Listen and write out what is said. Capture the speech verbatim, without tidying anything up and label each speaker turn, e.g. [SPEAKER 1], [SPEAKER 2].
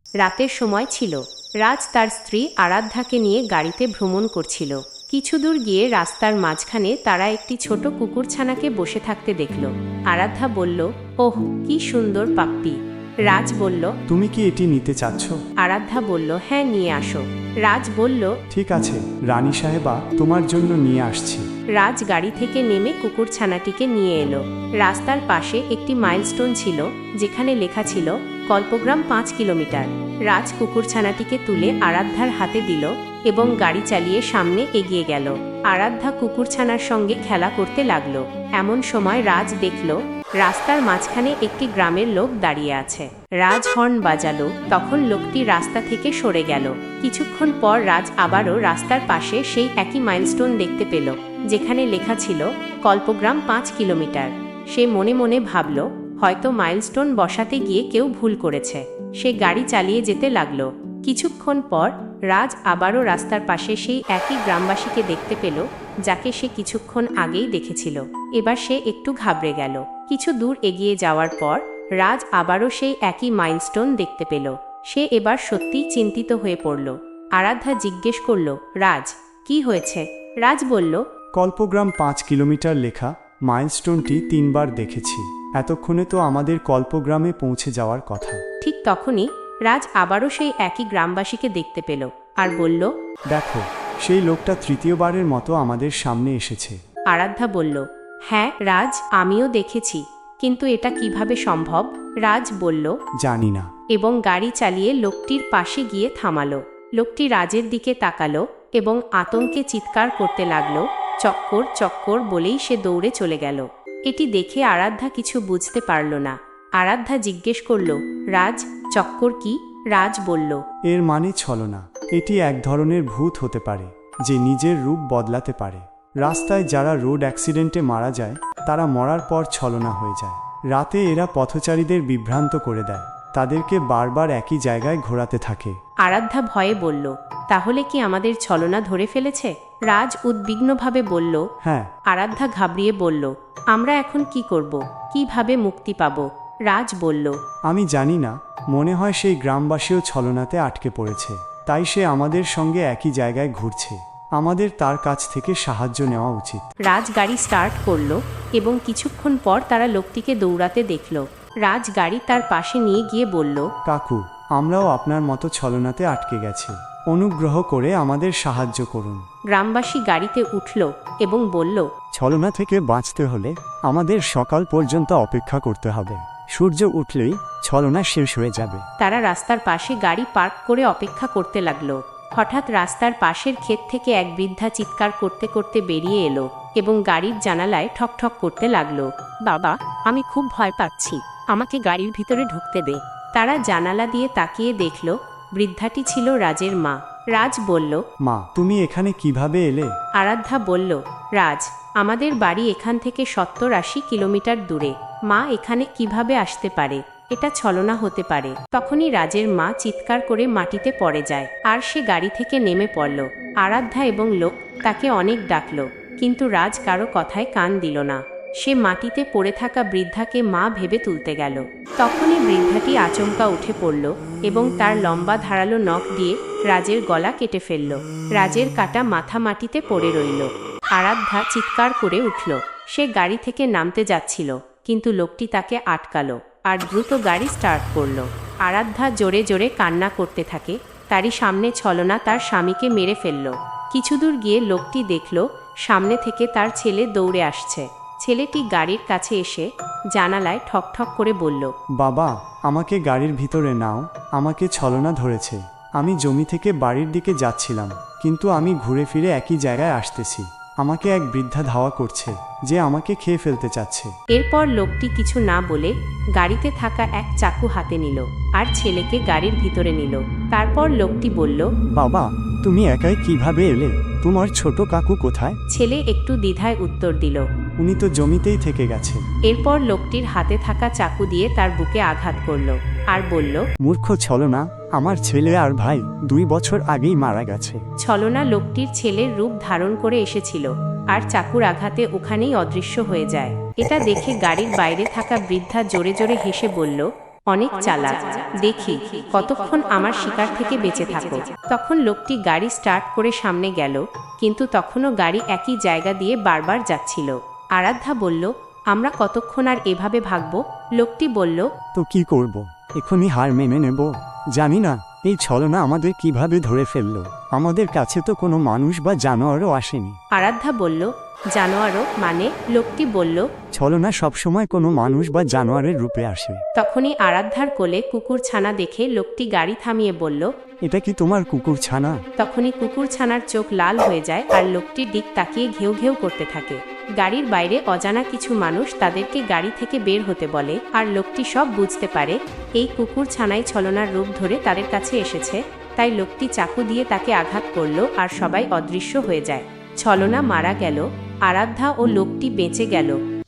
[SPEAKER 1] রাতের সময় ছিল। রাজ তার স্ত্রী আরাধ্যাকে নিয়ে গাড়িতে ভ্রমণ করছিল। কিছু দূর গিয়ে রাস্তার মাঝখানে তারা একটি ছোট কুকুরছানাকে বসে থাকতে দেখল। আরাধ্যা বলল, ওহ, কি সুন্দর পাপ্পি। রাজ বলল,
[SPEAKER 2] তুমি কি এটি নিতে চাচ্ছ?
[SPEAKER 1] আরাধ্যা বলল, হ্যাঁ, নিয়ে আসো। রাজ বলল,
[SPEAKER 2] ঠিক আছে রানী সাহেবা, তোমার জন্য নিয়ে আসছি।
[SPEAKER 1] রাজ গাড়ি থেকে নেমে কুকুরছানাটিকে নিয়ে এলো। রাস্তার পাশে একটি মাইলস্টোন ছিল, যেখানে লেখা ছিল কল্পগ্রাম পাঁচ কিলোমিটার। রাজ কুকুরছানাটিকে তুলে আরাধ্যার হাতে দিল এবং গাড়ি চালিয়ে সামনে এগিয়ে গেল। আরাধ্যা কুকুরছানার সঙ্গে খেলা করতে লাগলো। এমন সময় রাজ দেখল রাস্তার মাঝখানে একটি গ্রামের লোক দাঁড়িয়ে আছে। রাজ হর্ন বাজালো, তখন লোকটি রাস্তা থেকে সরে গেল। কিছুক্ষণ পর রাজ আবারও রাস্তার পাশে সেই একই মাইলস্টোন দেখতে পেল, যেখানে লেখা ছিল কল্পগ্রাম পাঁচ কিলোমিটার। সে মনে মনে ভাবল, হয়তো মাইলস্টোন বসাতে গিয়ে কেউ ভুল করেছে। সে গাড়ি চালিয়ে যেতে লাগলো। কিছুক্ষণ পর রাজ আবারও রাস্তার পাশে সেই একই গ্রামবাসীকে দেখতে পেল, যাকে সে কিছুক্ষণ আগেই দেখেছিল। এবার সে একটু ঘাবড়ে গেল। কিছু দূর এগিয়ে যাওয়ার পর রাজ আবারও সেই একই মাইলস্টোন দেখতে পেল। সে এবার সত্যিই চিন্তিত হয়ে পড়ল। আরাধ্যা জিজ্ঞেস করল, রাজ, কি হয়েছে? রাজ বলল,
[SPEAKER 2] কল্পগ্রাম পাঁচ কিলোমিটার লেখা মাইলস্টোনটি তিনবার দেখেছি। এতক্ষণে তো আমাদের কল্পগ্রামে পৌঁছে যাওয়ার কথা।
[SPEAKER 1] ঠিক তখনই রাজ আবারও সেই একই গ্রামবাসীকে দেখতে পেল আর বলল,
[SPEAKER 2] দেখো, সেই লোকটা তৃতীয়বারের মতো আমাদের সামনে এসেছে।
[SPEAKER 1] আরাধ্যা বলল, হ্যাঁ রাজ, আমিও দেখেছি, কিন্তু এটা কিভাবে সম্ভব? রাজ বলল,
[SPEAKER 2] জানি না।
[SPEAKER 1] এবং গাড়ি চালিয়ে লোকটির পাশে গিয়ে থামালো। লোকটি রাজের দিকে তাকালো এবং আতঙ্কে চিৎকার করতে লাগলো। চক্কর চক্কর বলেই সে দৌড়ে চলে গেল। এটি দেখে আরাধ্যা কিছু বুঝতে পারল না। আরাধ্যা জিজ্ঞেস করল, রাজ, চক্কর কি? রাজ বলল,
[SPEAKER 2] এর মানে ছলনা। এটি এক ধরনের ভূত হতে পারে, যে নিজের রূপ বদলাতে পারে। রাস্তায় যারা রোড অ্যাক্সিডেন্টে মারা যায়, তারা মরার পর ছলনা হয়ে যায়। রাতে এরা পথচারীদের বিভ্রান্ত করে দেয়, তাদেরকে বারবার একই জায়গায় ঘোরাতে থাকে।
[SPEAKER 1] আরাধ্যা ভয়ে বলল, তাহলে কি আমাদের ছলনা ধরে ফেলেছে? রাজ উদ্বিগ্নভাবে বলল,
[SPEAKER 2] হ্যাঁ।
[SPEAKER 1] আরাধ্যা ঘাবড়িয়ে বলল, আমরা এখন কি করব? কিভাবে মুক্তি পাব? রাজ বলল,
[SPEAKER 2] আমি জানি না, মনে হয় সেই গ্রামবাসীও ছলনাতে আটকে পড়েছে, তাই সে আমাদের সঙ্গে একই জায়গায় ঘুরছে। আমাদের তার কাছ থেকে সাহায্য নেওয়া উচিত।
[SPEAKER 1] রাজ গাড়ি স্টার্ট করলো এবং কিছুক্ষণ পর তারা লোকটিকে দৌড়াতে দেখল। রাজ গাড়ি তার পাশে নিয়ে গিয়ে বলল,
[SPEAKER 2] কাকু, আমরাও আপনার মতো ছলনাতে আটকে গেছি, অনুগ্রহ করে আমাদের সাহায্য করুন।
[SPEAKER 1] গ্রামবাসী গাড়িতে উঠল এবং বলল,
[SPEAKER 2] ছলনা থেকে বাঁচতে হলে আমাদের সকাল পর্যন্ত অপেক্ষা করতে হবে। সূর্য উঠলেই ছলনা শেষ হয়ে যাবে।
[SPEAKER 1] তারা রাস্তার পাশে গাড়ি পার্ক করে অপেক্ষা করতে লাগলো। হঠাৎ রাস্তার পাশের ক্ষেত থেকে এক বৃদ্ধা চিৎকার করতে করতে বেরিয়ে এলো এবং গাড়ির জানালায় ঠকঠক করতে লাগলো। বাবা, আমি খুব ভয় পাচ্ছি, আমাকে গাড়ির ভিতরে ঢুকতে দে। তারা জানালা দিয়ে তাকিয়ে দেখল বৃদ্ধাটি ছিল রাজের মা। রাজ বলল,
[SPEAKER 2] মা, তুমি এখানে কিভাবে এলে?
[SPEAKER 1] আরাধ্যা বলল, রাজ, আমাদের বাড়ি এখান থেকে সত্তর আশি কিলোমিটার দূরে। মা এখানে কিভাবে আসতে পারে? এটা ছলনা হতে পারে। তখনই রাজের মা চিৎকার করে মাটিতে পড়ে যায় আর সে গাড়ি থেকে নেমে পড়ল। আরাধ্যা এবং লোক তাকে অনেক ডাকল, কিন্তু রাজ কারো কথায় কান দিল না। সে মাটিতে পড়ে থাকা বৃদ্ধাকে মা ভেবে তুলতে গেল। তখনই বৃদ্ধাটি আচমকা উঠে পড়ল এবং তার লম্বা ধারালো নখ দিয়ে রাজের গলা কেটে ফেলল। রাজের কাটা মাথা মাটিতে পড়ে রইল। আরাধ্যা চিৎকার করে উঠল। সে গাড়ি থেকে নামতে যাচ্ছিল, কিন্তু লোকটি তাকে আটকালো আর দ্রুত গাড়ি স্টার্ট করল। আরাধ্যা জোরে জোরে কান্না করতে থাকে। তারই সামনে ছলনা তার স্বামীকে মেরে ফেলল। কিছু দূর গিয়ে লোকটি দেখল সামনে থেকে তার ছেলে দৌড়ে আসছে। ছেলেটি গাড়ির কাছে এসে জানালায় ঠকঠক করে বলল,
[SPEAKER 2] বাবা, আমাকে গাড়ির ভিতরে নাও, আমাকে ছলনা ধরেছে। আমি জমি থেকে বাড়ির দিকে যাচ্ছিলাম, কিন্তু আমি ঘুরে ফিরে একই জায়গায় আসতেছি। আমাকে এক বৃদ্ধা ধাওয়া করছে, যে আমাকে খেয়ে ফেলতে চাচ্ছে।
[SPEAKER 1] এরপর লোকটি কিছু না বলে গাড়িতে থাকা এক চাকু হাতে নিল আর ছেলেকে গাড়ির ভিতরে নিল। তারপর লোকটি বলল,
[SPEAKER 2] বাবা, তুমি একাই কিভাবে এলে? তোমার ছোট কাকু কোথায়?
[SPEAKER 1] ছেলে একটু দ্বিধায় উত্তর দিল,
[SPEAKER 2] উনি তো জমিতেই থেকে গেছে।
[SPEAKER 1] এরপর লোকটির হাতে থাকা চাকু দিয়ে তার বুকে আঘাত করল আর বলল,
[SPEAKER 2] মূর্খ ছলনা, আমার ছেলে আর ভাই দুই বছর আগেই মারা গেছে।
[SPEAKER 1] ছলনা লোকটির ছেলের রূপ ধারণ করে এসেছিল আর চাকুর আঘাতে ওখানেই অদৃশ্য হয়ে যায়। এটা দেখে গাড়ির বাইরে থাকা বৃদ্ধা জোরে জোরে হেসে বলল, অনেক চালাক, দেখি কতক্ষণ আমার শিকার থেকে বেঁচে থাকো। তখন লোকটি গাড়ি স্টার্ট করে সামনে গেল, কিন্তু তখনও গাড়ি একই জায়গা দিয়ে বারবার যাচ্ছিল। আরাধ্যা বলল, আমরা কতক্ষণ আর এভাবে ভাগবো? লোকটি বলল,
[SPEAKER 2] তো কি করব? এখনই হার মেনে নেব? জানি না এই ছলনা আমাদের কিভাবে ধরে ফেললো। আমাদের কাছে তো কোনো মানুষ বা জানোয়ারও আসেনি।
[SPEAKER 1] আরাধ্যা বলল, জানোয়ারও মানে? লোকটি বলল।
[SPEAKER 2] ছলনা সবসময় কোনো মানুষ বা জানোয়ারের রূপে আসে।
[SPEAKER 1] তখনই আরাধ্যার কোলে কুকুর ছানা দেখে লোকটি গাড়ি থামিয়ে বলল,
[SPEAKER 2] এটা কি তোমার কুকুর ছানা?
[SPEAKER 1] তখনই কুকুর ছানার চোখ লাল হয়ে যায় আর লোকটির দিক তাকিয়ে ঘেউ ঘেউ করতে থাকে। গাড়ির বাইরে অজানা কিছু মানুষ তাদেরকে গাড়ি থেকে বের হতে বলে, আর লোকটি সব বুঝতে পারে এই কুকুর ছানাই ছলনার রূপ ধরে তাদের কাছে এসেছে। তাই লোকটি চাকু দিয়ে তাকে আঘাত করল আর সবাই অদৃশ্য হয়ে যায়। ছলনা মারা গেল, আরাধ্যা ও লোকটি বেঁচে গেল।